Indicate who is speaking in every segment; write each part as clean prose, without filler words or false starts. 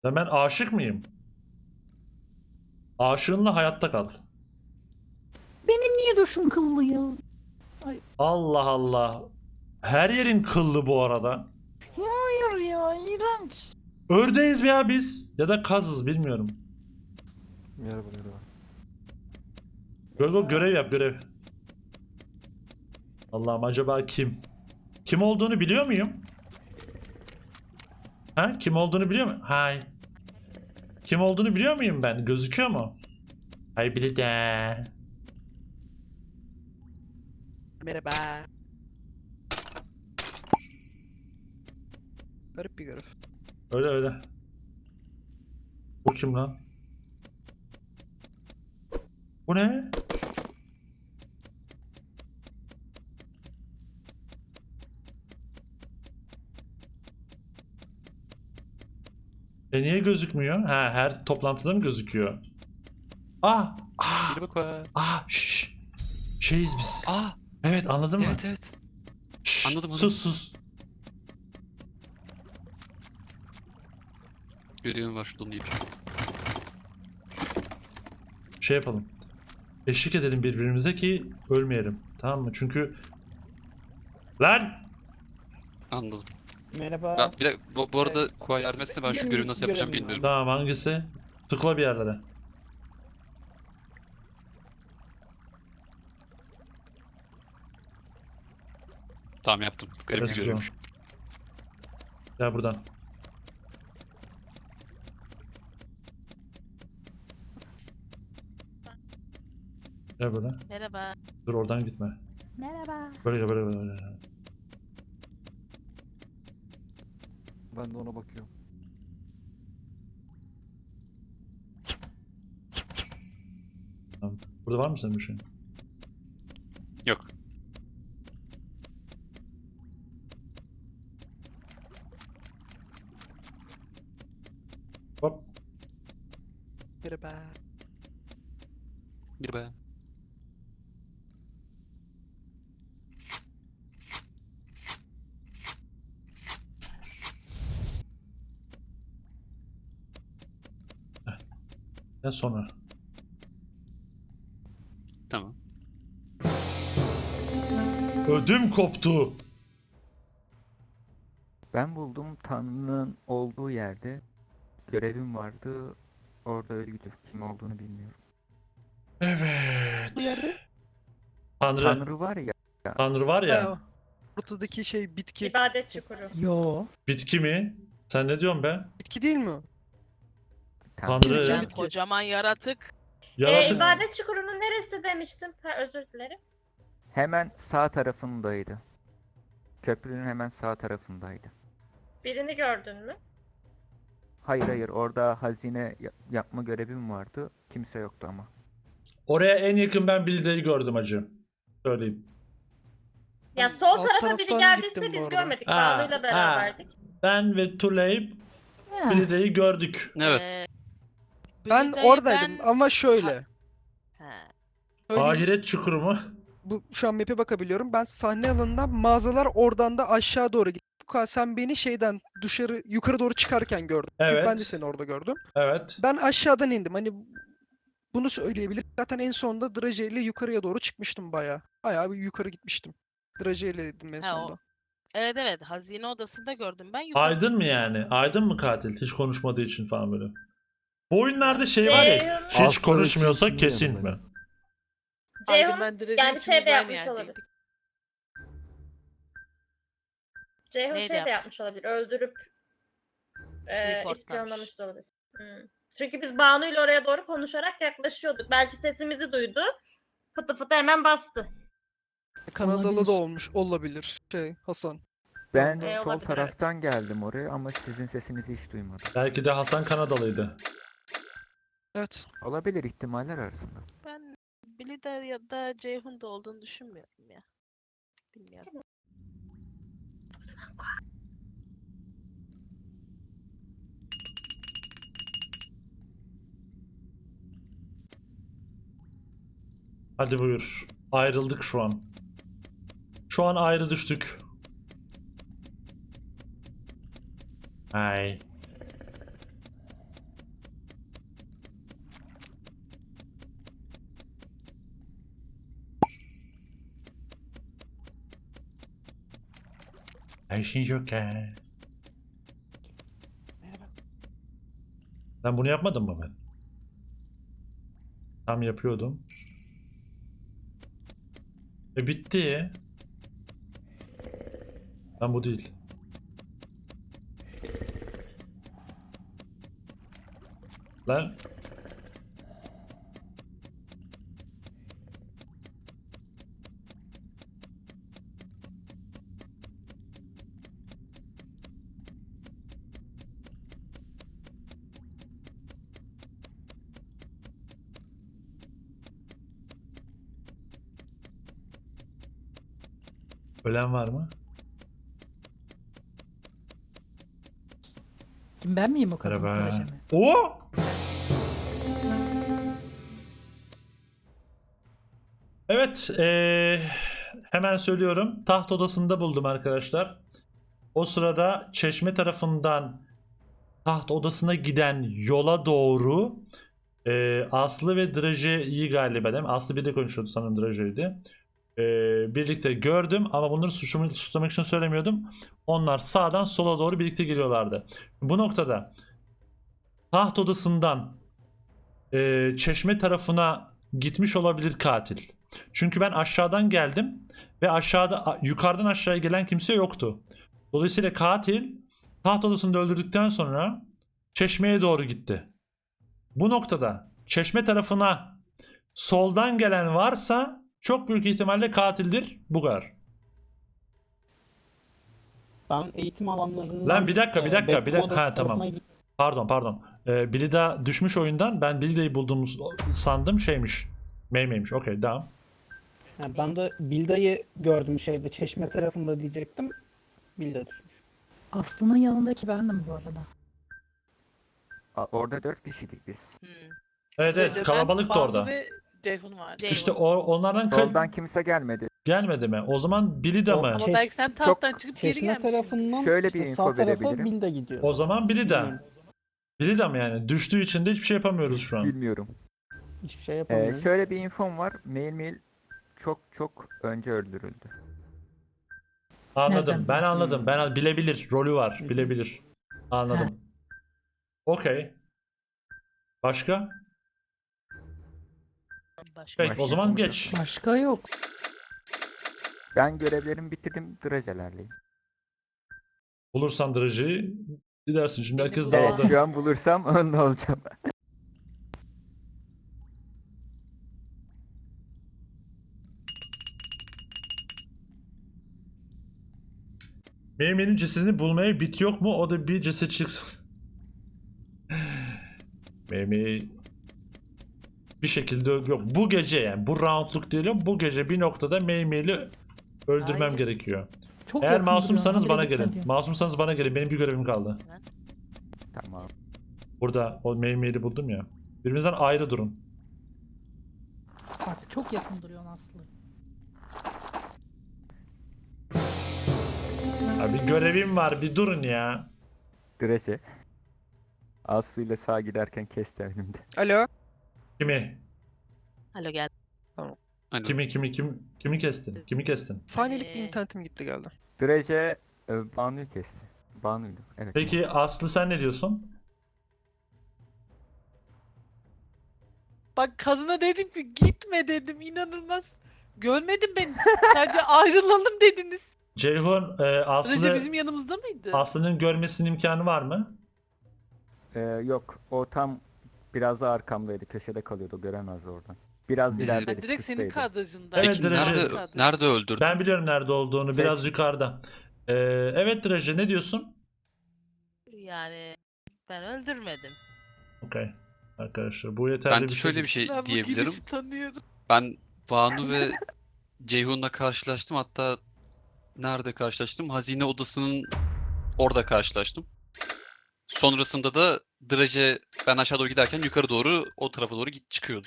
Speaker 1: Ya ben aşık mıyım? Aşığınla hayatta kal.
Speaker 2: Benim niye döşüm kıllı ya?
Speaker 1: Allah Allah. Her yerin kıllı bu arada.
Speaker 2: Hayır ya, iğrenç.
Speaker 1: Ördeğiz ya biz. Ya da kazız bilmiyorum.
Speaker 3: Merhaba merhaba.
Speaker 1: Gogo görev yap görev. Allah'ım acaba kim? Kim olduğunu biliyor muyum? Ha? Kim olduğunu biliyor muyum? Hay. Kim olduğunu biliyor muyum ben? Gözüküyor mu? Hay bile de.
Speaker 4: Merhaba. Garip bir görev.
Speaker 1: Öyle öyle. Bu kim lan? Bu ne? Niye gözükmüyor? Ha, her toplantıda mı gözüküyor? Ah! Ah!
Speaker 5: Bir bak var.
Speaker 1: Ah! Şşş! Şeyiz biz.
Speaker 5: Aa,
Speaker 1: Evet anladın mı?
Speaker 5: evet evet.
Speaker 1: Şşş,
Speaker 5: Anladım,
Speaker 1: sus sus.
Speaker 5: Görevim var şuradan deyip.
Speaker 1: Şey yapalım. Eşlik edelim birbirimize ki ölmeyelim. Tamam mı? Çünkü... Lan!
Speaker 5: Anladım.
Speaker 3: Merhaba.
Speaker 5: Ben, bir de, bu arada Kuğa yardım etse ben şu görevi nasıl yapacağım bilmiyorum.
Speaker 1: Tamam hangisi? Tıkla bir yerlere.
Speaker 5: Tamam yaptım. Garip bir
Speaker 1: Let's go.
Speaker 5: görevmiş.
Speaker 1: Gel buradan. Gel buradan.
Speaker 6: Merhaba.
Speaker 1: Dur oradan gitme.
Speaker 2: Merhaba.
Speaker 1: Böyle gel böyle böyle.
Speaker 3: Ben de ona bakıyorum.
Speaker 1: Tamam. Burada var mı senin bir şey?
Speaker 5: Yok.
Speaker 1: Hop.
Speaker 4: Merhaba.
Speaker 5: Bir be.
Speaker 1: Gel sonra.
Speaker 5: Tamam.
Speaker 1: Ödüm koptu.
Speaker 2: Ben buldum Tanrı'nın olduğu yerde. Görevim vardı. Orada öldü. Kim olduğunu bilmiyorum.
Speaker 1: Evet.
Speaker 4: Bu yerde?
Speaker 1: Tanrı.
Speaker 2: Tanrı var ya.
Speaker 1: Tanrı var ya.
Speaker 4: Ha, ortadaki şey bitki.
Speaker 6: İbadet çukuru.
Speaker 2: Yo.
Speaker 1: Bitki mi? Sen ne diyorsun be?
Speaker 4: Bitki değil mi o?
Speaker 1: Tanrı.
Speaker 4: Bitki.
Speaker 6: Ben kocaman yaratık.
Speaker 1: Yaratık.
Speaker 6: İbadet çukurunun neresi demiştim? Ha, özür dilerim.
Speaker 2: Hemen sağ tarafındaydı. Köprünün hemen sağ tarafındaydı.
Speaker 6: Birini gördün mü?
Speaker 2: Hayır hayır, orada hazine yapma görevim vardı. Kimse yoktu ama.
Speaker 1: Oraya en yakın ben Bilde'yi gördüm acı. Söyleyeyim.
Speaker 6: Ya
Speaker 4: Ben
Speaker 6: sol
Speaker 4: alt
Speaker 6: tarafa biri
Speaker 4: taraftan
Speaker 6: geldiyse
Speaker 4: gittim bu
Speaker 6: biz
Speaker 4: arada.
Speaker 6: görmedik.
Speaker 1: Ha,
Speaker 6: Banu'yla beraberdik.
Speaker 1: Ben ve Tuleyp
Speaker 2: Ya.
Speaker 1: Bilde'yi gördük.
Speaker 5: Evet.
Speaker 4: Ben
Speaker 6: Bilde'yi
Speaker 4: oradaydım ama şöyle.
Speaker 6: Ha.
Speaker 4: Söyleyeyim,
Speaker 1: Ahiret çukuru mu?
Speaker 4: bu şu an map'e bakabiliyorum. Ben sahne alanından mağazalar oradan da aşağı doğru gittim. Fuka, sen beni şeyden dışarı yukarı doğru çıkarken gördüm. Çünkü
Speaker 1: Evet.
Speaker 4: ben de seni orada gördüm.
Speaker 1: Evet.
Speaker 4: Ben aşağıdan indim. Hani bunu söyleyebilirim. Zaten en sonunda Draje ile yukarıya doğru çıkmıştım bayağı. Bayağı bir yukarı gitmiştim. Draje ile dedim en
Speaker 6: Ha, o-
Speaker 4: sonunda.
Speaker 6: Evet evet, hazine odasında gördüm ben. Yukarı
Speaker 1: Aydın mı
Speaker 6: çıktım.
Speaker 1: yani? Aydın mı katil? Hiç konuşmadığı için falan böyle. Bu oyunlarda şey var ya.
Speaker 6: Ceyhun-
Speaker 1: Hiç
Speaker 3: Aslı
Speaker 1: konuşmuyorsa
Speaker 3: için
Speaker 1: kesin
Speaker 3: yanındayım.
Speaker 1: mi?
Speaker 6: Ceyhun
Speaker 7: Ben
Speaker 6: yani şey de yapmış olabilir. Ceyhun Neydi şey de yapmış? yapmış olabilir. Öldürüp
Speaker 7: Reportlamış.
Speaker 6: ispiyonlamış da olabilir. Çünkü biz Banu'yla oraya doğru konuşarak yaklaşıyorduk. Belki sesimizi duydu. Fıtı fıtı hemen bastı.
Speaker 4: Kanadalı
Speaker 2: Olabilir.
Speaker 4: da olmuş olabilir. Hasan.
Speaker 2: Ben
Speaker 6: Olabilir,
Speaker 2: sol
Speaker 6: evet.
Speaker 2: taraftan geldim oraya ama sizin sesinizi hiç duymadım.
Speaker 1: Belki de Hasan Kanadalıydı.
Speaker 4: Evet.
Speaker 2: Olabilir, ihtimaller arasında.
Speaker 6: Ben Billy de ya da Ceyhun da olduğunu düşünmüyorum ya. Bilmiyorum.
Speaker 1: Hadi buyur. Ayrıldık şu an. Şu an ayrı düştük. Ay. Ayşin Joker. Ben bunu yapmadım mı ben? Tam yapıyordum. Bitti. Ben bu değil. Lan. Ölen var mı?
Speaker 7: Kim ben miyim o kadın
Speaker 1: Merhaba.
Speaker 7: proje mi?
Speaker 1: Oo! Evet, hemen söylüyorum. Taht odasında buldum arkadaşlar. O sırada çeşme tarafından taht odasına giden yola doğru Aslı ve Draje'yi galiba değil mi? Aslı bir de konuşuyordu, sanırım Draje'ydi. Birlikte gördüm ama bunları suçlamak için söylemiyordum. Onlar sağdan sola doğru birlikte geliyorlardı. Bu noktada taht odasından çeşme tarafına gitmiş olabilir katil. Çünkü ben aşağıdan geldim ve yukarıdan aşağıya gelen kimse yoktu. Dolayısıyla katil taht odasında öldürdükten sonra çeşmeye doğru gitti. Bu noktada çeşme tarafına soldan gelen varsa çok büyük ihtimalle katildir. Bu kadar.
Speaker 8: Ben eğitim alanlarından...
Speaker 1: Lan bir dakika.
Speaker 8: bekleme odası
Speaker 1: Ha, tamam.
Speaker 8: tarafına gittim.
Speaker 1: Pardon. Bilida düşmüş oyundan. Ben Bilida'yı bulduğumu sandım, şeymiş. Meyme'ymiş. Okey, devam.
Speaker 8: Yani ben de Bilda'yı gördüm şeyde, çeşme tarafında diyecektim. Bilda düşmüş.
Speaker 7: Aslı'nın yanındaki bendim bu arada.
Speaker 2: Orada 4 kişiydik biz.
Speaker 1: Evet, kalabalıktı orada.
Speaker 9: Ve Ceyhun vardı.
Speaker 1: İşte onlardan
Speaker 2: Soldan kimse gelmedi.
Speaker 1: gelmedi mi? O zaman Bilida mı?
Speaker 9: Ama
Speaker 8: Çeş-
Speaker 9: belki sen tahttan çıkıp geri
Speaker 8: Çeşme
Speaker 9: gelmişsin.
Speaker 8: tarafından
Speaker 2: Şöyle
Speaker 8: işte
Speaker 2: bir info
Speaker 8: sağ tarafa
Speaker 2: verebilirim.
Speaker 8: Bilda gidiyor.
Speaker 1: O zaman Bilida.
Speaker 8: Bilmiyorum.
Speaker 1: Bilida mı yani? Düştüğü için de hiçbir şey yapamıyoruz şu an.
Speaker 2: Bilmiyorum.
Speaker 8: Hiçbir şey yapamıyorum.
Speaker 2: Şöyle bir infom var. Mail çok önce öldürüldü.
Speaker 1: Anladım.
Speaker 7: Nereden?
Speaker 1: Ben anladım. Ben bilebilir. Rolü var. Bilebilir. Anladım. Okey. Başka?
Speaker 7: Başka,
Speaker 1: Peki o zaman geç.
Speaker 7: başka yok.
Speaker 2: Ben görevlerimi bitirdim. Drajelerleyim.
Speaker 1: Bulursan Draji'yi gidersin. Şimdi herkes
Speaker 7: Benim
Speaker 2: Evet,
Speaker 1: dağıldı.
Speaker 2: şu an bulursam önde olacağım.
Speaker 1: Benim cesedini bulmaya bit yok mu? O da bir ceset çıksın. Memi bir şekilde yok. Bu gece yani bu roundluk değil ama bu gece bir noktada Meyme'yi öldürmem
Speaker 9: Hayır.
Speaker 1: gerekiyor.
Speaker 7: Çok
Speaker 1: Eğer
Speaker 7: yakın
Speaker 1: masumsanız
Speaker 7: duruyor,
Speaker 1: bana
Speaker 7: habire
Speaker 1: gelin.
Speaker 7: dikkat
Speaker 1: Masumsanız bana gelin. Benim bir görevim kaldı.
Speaker 2: Tamam.
Speaker 1: Burada o Meyme'yi buldum ya. Birbirinizden ayrı durun.
Speaker 7: Bak çok yakın duruyor Aslı.
Speaker 1: Ya bir görevim var. Bir durun ya.
Speaker 2: Draje. Aslı ile sağa giderken kesti önümde.
Speaker 4: Alo.
Speaker 1: Kimi?
Speaker 9: Alo gel.
Speaker 5: Hani
Speaker 1: Kimi kestin? Kimi kestin?
Speaker 4: Saniyelik bir internetim gitti geldi.
Speaker 2: Draje Banu'yu kesti. Banu'ydu. Evet.
Speaker 1: Peki Aslı sen ne diyorsun?
Speaker 9: Bak kadına dedim ki gitme dedim, inanılmaz. Görmedin beni. Sadece ayrılalım dediniz.
Speaker 1: Ceyhun
Speaker 9: Recep bizim yanımızda mıydı?
Speaker 1: Aslı'nın görmesinin imkanı var mı?
Speaker 2: Yok. O tam biraz da arkamdaydı. Köşede kalıyordu. Göremezdi oradan. Biraz
Speaker 5: Ee,
Speaker 2: ileride
Speaker 9: Ben direkt senin
Speaker 2: çıkıştaydı.
Speaker 9: kadrajındaydım.
Speaker 1: Evet,
Speaker 5: Peki
Speaker 1: Draje.
Speaker 5: nerede öldürdün?
Speaker 1: Ben biliyorum nerede olduğunu. Biraz yukarıda. Evet Draje ne diyorsun?
Speaker 9: Yani ben öldürmedim.
Speaker 1: Okey. Arkadaşlar bu yeterli
Speaker 5: Ben
Speaker 1: bir
Speaker 5: de
Speaker 1: şey
Speaker 5: şöyle
Speaker 1: değil.
Speaker 5: bir şey
Speaker 9: Ben bu
Speaker 5: diyebilirim.
Speaker 9: girişi tanıyorum.
Speaker 5: Ben Banu ve Ceyhun'la karşılaştım. Hatta nerede karşılaştım? Hazine odasının orada karşılaştım. Sonrasında da Draje ben aşağı doğru giderken yukarı doğru o tarafa doğru çıkıyordu.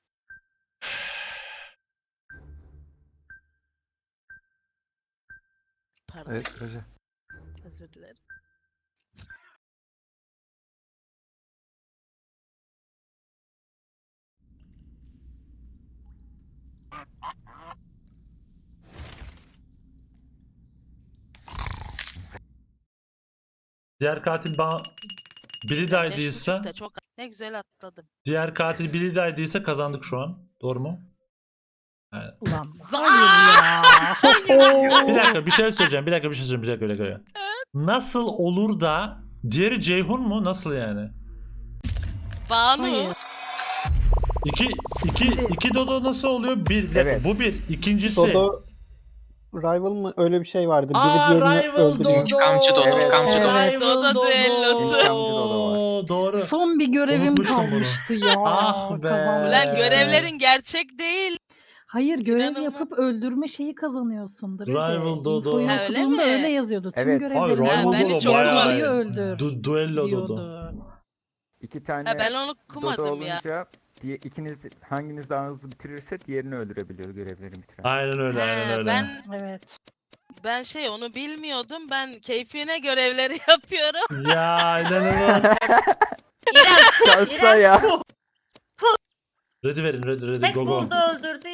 Speaker 9: Pardon,
Speaker 3: Evet Recep.
Speaker 9: özür dilerim.
Speaker 1: Diğer katil Billy Day'dıysa,
Speaker 10: Çok ne güzel atladım.
Speaker 1: diğer katil Billy Day'dıysa kazandık şu an. Doğru mu?
Speaker 7: Ulan hayır ya.
Speaker 1: Bir dakika bir şey söyleyeceğim. Bir dakika. Nasıl olur da diğeri Ceyhun mu? Nasıl yani?
Speaker 10: Banu.
Speaker 7: Hayır.
Speaker 1: İki Dodo nasıl oluyor? Bir dakika,
Speaker 2: Evet.
Speaker 1: bu bir. İkincisi.
Speaker 8: Dodo Rival mı? Öyle bir şey vardı. Biri
Speaker 1: Aa,
Speaker 8: diğerini
Speaker 1: Rival
Speaker 8: öldürüyor.
Speaker 1: Dodo.
Speaker 11: İntikamcı Dodo,
Speaker 2: Evet.
Speaker 11: intikamcı Dodo.
Speaker 7: Evet.
Speaker 10: Dodo düellosu.
Speaker 2: İntikamcı Dodo var.
Speaker 1: Doğru.
Speaker 7: Son bir görevim
Speaker 1: Unutmuştum bunu.
Speaker 7: kalmıştı ya.
Speaker 1: Ah be.
Speaker 7: Kazanmak
Speaker 10: Ulan
Speaker 7: için.
Speaker 10: görevlerin gerçek değil.
Speaker 7: Hayır görev
Speaker 10: İnanılmaz.
Speaker 7: yapıp öldürme şeyi kazanıyorsun.
Speaker 1: Rival Dodo.
Speaker 7: İnfoyu
Speaker 10: Ha, öyle
Speaker 7: okuduğumda
Speaker 10: mi?
Speaker 7: öyle yazıyordu. Tüm
Speaker 2: Evet.
Speaker 7: görevlerin
Speaker 1: Hayır,
Speaker 10: Rival
Speaker 7: tamamı
Speaker 10: Dodo
Speaker 7: diğer
Speaker 10: bayağı
Speaker 7: Dodo'yu
Speaker 1: iyi.
Speaker 7: öldür
Speaker 1: Duello Dodo.
Speaker 7: diyordu.
Speaker 2: 2 tane
Speaker 10: Ha, ben onu
Speaker 2: Dodo
Speaker 10: okumadım ya.
Speaker 2: olunca ikiniz hanginiz daha hızlı bitirirse diğerini öldürebiliyor görevleri bitiren.
Speaker 1: Aynen öyle, aynen
Speaker 10: Ha,
Speaker 1: öyle.
Speaker 7: Evet.
Speaker 10: ben onu bilmiyordum. Ben keyfine görevleri yapıyorum.
Speaker 1: Ya inanılmaz.
Speaker 6: İrem,
Speaker 2: Şansa ya.
Speaker 1: Ready verin, ready
Speaker 6: tek
Speaker 1: go go.
Speaker 6: buldu öldürdü